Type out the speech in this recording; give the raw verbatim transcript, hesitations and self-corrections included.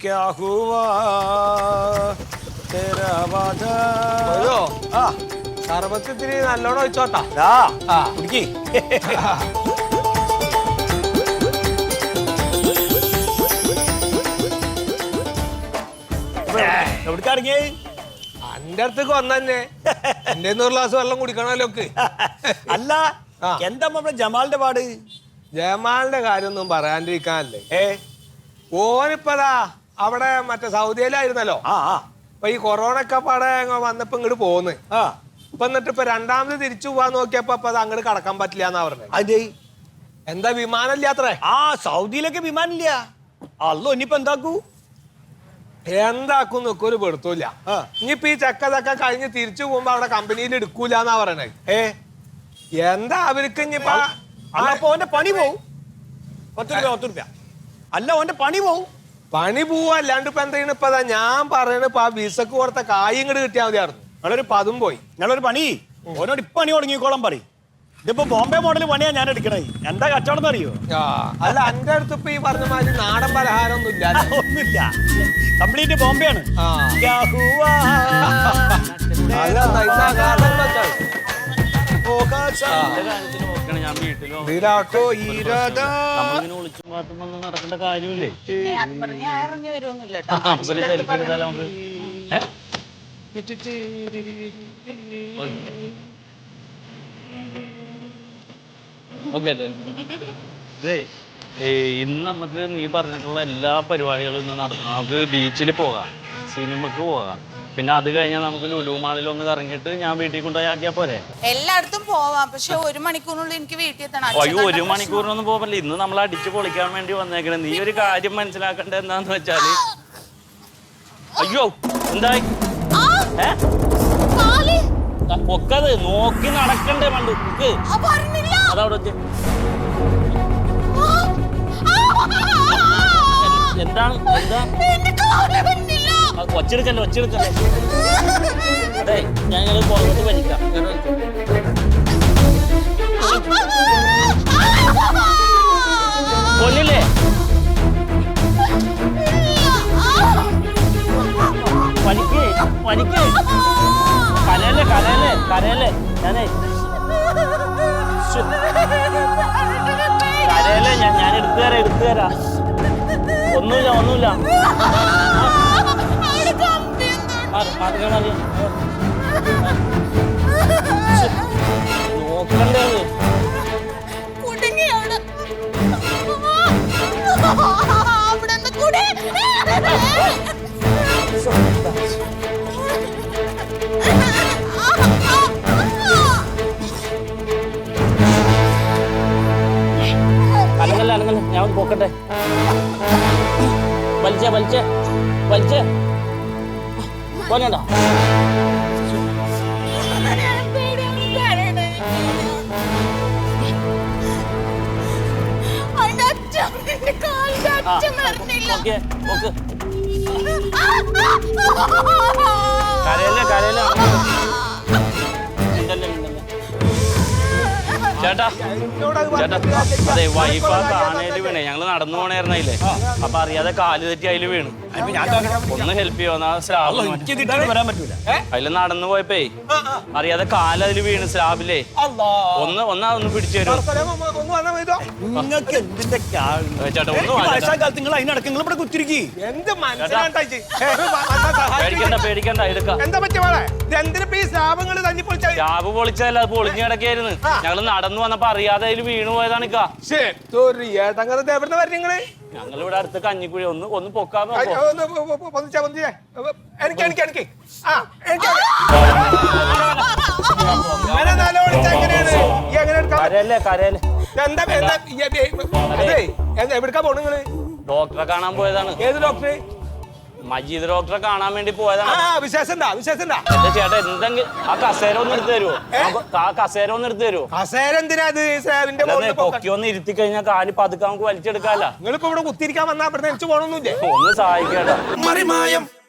क्या हुआ तेरा वादा ആ സർവത്തിരി നല്ലോണം ഒഴിച്ചോട്ടാ ആ കുടിക്കി എവിടേക്കാണെങ്കിൽ അന്റെ അടുത്തേക്ക് വന്നെ എന്റെ ഒരു ഗ്ലാസ് വെള്ളം കുടിക്കണല്ലോ അല്ല എന്താ നമ്മുടെ ജമാലിന്റെ പാട് ജമാലിന്റെ കാര്യമൊന്നും പറയാണ്ടിരിക്കാനല്ലേ ഏ ഓനിപ്പതാ അവിടെ മറ്റേ സൗദിയിലായിരുന്നല്ലോ ആ ആ അപ്പൊ ഈ കൊറോണ ഒക്കെ പാടെ വന്നപ്പോ ഇങ്ങോട്ട് പോന്ന് ആ ഇപ്പൊ എന്നിട്ട് ഇപ്പൊ രണ്ടാമത് തിരിച്ചു പോവാൻ നോക്കിയപ്പോ അപ്പൊ അത് അങ്ങോട്ട് കടക്കാൻ പറ്റില്ല എന്നാ പറഞ്ഞത് അതെ എന്താ വിമാനം ഇല്ലാത്രേ ആ സൗദിയിലൊക്കെ വിമാനില്ല അല്ലോ ഇനിയിപ്പോ എന്താക്കൂ എന്താക്കും നിൽക്കും ഒരു പെടുത്തൂല ഇനിയിപ്പൊ ഈ ചെക്കതൊക്കെ കഴിഞ്ഞ് തിരിച്ചു പോകുമ്പോ അവിടെ കമ്പനിയിൽ എടുക്കൂല എന്നാ പറയണേ ഏ എന്താ അവർക്ക് ഇനിയിപ്പോ അല്ലപ്പോ ഓന്റെ പണി പോവും പത്ത് രൂപ പത്ത് രൂപ അല്ല ഓന്റെ പണി പോവും പണി പോവാ അല്ലാണ്ട് ഇപ്പൊ എന്തെയാണ് ഇപ്പൊ ഞാൻ പറയണ ഇപ്പൊ ആ വിസക്ക് കൊടുത്ത കായ് ഇങ്ങോട്ട് കിട്ടിയാൽ മതിയായിരുന്നു നിങ്ങളൊരു പതും പോയി നിങ്ങളൊരു പണി ഓനോട് ഇപ്പൊ പണി തുടങ്ങിക്കോളം പറയും ഇതിപ്പോ ബോംബെ മോഡൽ പണിയാ ഞാൻ എടുക്കണേ എന്താ കച്ചവടം അറിയോ അല്ല എന്റെ അടുത്ത് ഇപ്പൊ ഈ പറഞ്ഞ മാതിരി നാടൻ പലഹാരം ഒന്നും ഇല്ല ഒന്നുമില്ല കംപ്ലീറ്റ് ബോംബെ ആണ് ഞാൻ വീട്ടിലോ നടക്കേണ്ട കാര്യമില്ലേ സെൽഫി എടുത്താലോ നമുക്ക് ഓക്കെ ഇന്ന് നമുക്ക് നീ പറഞ്ഞിട്ടുള്ള എല്ലാ പരിപാടികളും ഇന്ന് നടത്തണം. നമുക്ക് ബീച്ചിൽ പോകാം, സിനിമക്ക് പോകാം, പിന്നെ അത് കഴിഞ്ഞാൽ നമുക്ക് ലുലു മാളിൽ ഒന്ന് ഇറങ്ങിയിട്ട് ഞാൻ വീട്ടിൽ കൊണ്ടുപോയി ആക്കിയാ പോരെ? എല്ലായിടത്തും പോവാം, പക്ഷെ ഒരു മണിക്കൂറിനുള്ളിൽ എനിക്ക് വീട്ടിൽ എത്തണം. അയ്യോ ഒരു മണിക്കൂറിനൊന്നും പോകല്ലേ, ഇന്ന് നമ്മൾ അടിച്ചു പൊളിക്കാൻ വേണ്ടി വന്നേക്കണേ. നീ ഒരു കാര്യം മനസ്സിലാക്കേണ്ടത് എന്താന്ന് വെച്ചാല്, അയ്യോ എന്തായി ഒക്കത് നോക്കി നടക്കണ്ടേ പണ്ട് അതവിടെ വെച്ച് എന്താണ് എന്താ ഒച്ചെടുക്കല്ലേ ഒച്ചെടുക്കല്ലേ അതെ ഞങ്ങൾ പുറത്ത് വലിക്കാം. കൊല്ലില്ലേ വലിക്കേ വലിക്കേ കരയല്ലേ കരയല്ലേ കരയല്ലേ ഞാനേ കരയല്ലേ ഞാൻ ഞാൻ എടുത്തു തരാം എടുത്തു തരാം ഒന്നുമില്ല ഒന്നുമില്ല നോക്കണ്ടേ അനങ്ങല്ല അനങ്ങല്ല ഞാൻ പോക്കട്ടെ വലിച്ചേ വലിച്ചേ വലിച്ചേ പോലണ്ട ഓക്കെ ഓക്കെ കരയല്ലേ കരയല്ലേ ഉണ്ടല്ലേ ഉണ്ടല്ലേ ചേട്ടാ ചേട്ടാ അതെ വൈഫ് ആ കാണേല് വീണേ ഞങ്ങള് നടന്നു പോണേർന്നല്ലേ അപ്പൊ അറിയാതെ കാല് തെറ്റി അതില് വീണ് ഒന്ന് ഹെൽപ്പ് ചെയ്യോ വരാൻ പറ്റൂല അതില് നടന്നു പോയപ്പേ അറിയാതെ കാല് അതില് വീണ് സ്ലാബിലേ ഒന്ന് ഒന്നാ ഒന്ന് പിടിച്ചു തരും നിങ്ങൾക്ക് എന്തിന്റെ ചേട്ടാ ഒന്ന് നിങ്ങൾ അതിനടക്ക് നിങ്ങൾ ഇവിടെ കുത്തിരിക്കി പേടിക്കണ്ട പേടിക്കണ്ട എടുക്കാം സ്ലാബ് പൊളിച്ചതല്ല അത് പൊളിഞ്ഞു കിടക്കായിരുന്നു ഞങ്ങള് നടന്നു വന്നപ്പോ അറിയാതെ അതിൽ വീണു പോയതാണ്. ഞങ്ങൾ ഇവിടെ അടുത്ത് കഞ്ഞിക്കുഴി ഒന്ന് ഒന്ന് പൊക്കാൻ കരയല്ലേ കരയല്ലേ ഡോക്ടറെ കാണാൻ പോയതാണ്. ഏത് ഡോക്ടറെ? മജീദ് ഡോക്ടറെ കാണാൻ വേണ്ടി പോയതാണ്. ചേട്ടാ എന്തെങ്കിലും ആ കസേര ഒന്ന് എടുത്തു തരുമോ? ആ കസേര ഒന്ന് എടുത്തു തരുമോ? കസേര എന്തിനാ? പൊക്കി ഒന്ന് ഇരുത്തി കഴിഞ്ഞാൽ കാല് പതുക്കെ നമുക്ക് വലിച്ചെടുക്കാല്ല. നിങ്ങളിപ്പോ ഇവിടെ കുത്തിരിക്കാൻ വന്നാ ഇവിടെ എനിക്ക് പോകണമെന്നില്ലേ? ഒന്ന് സഹായിക്കേട്ടാ.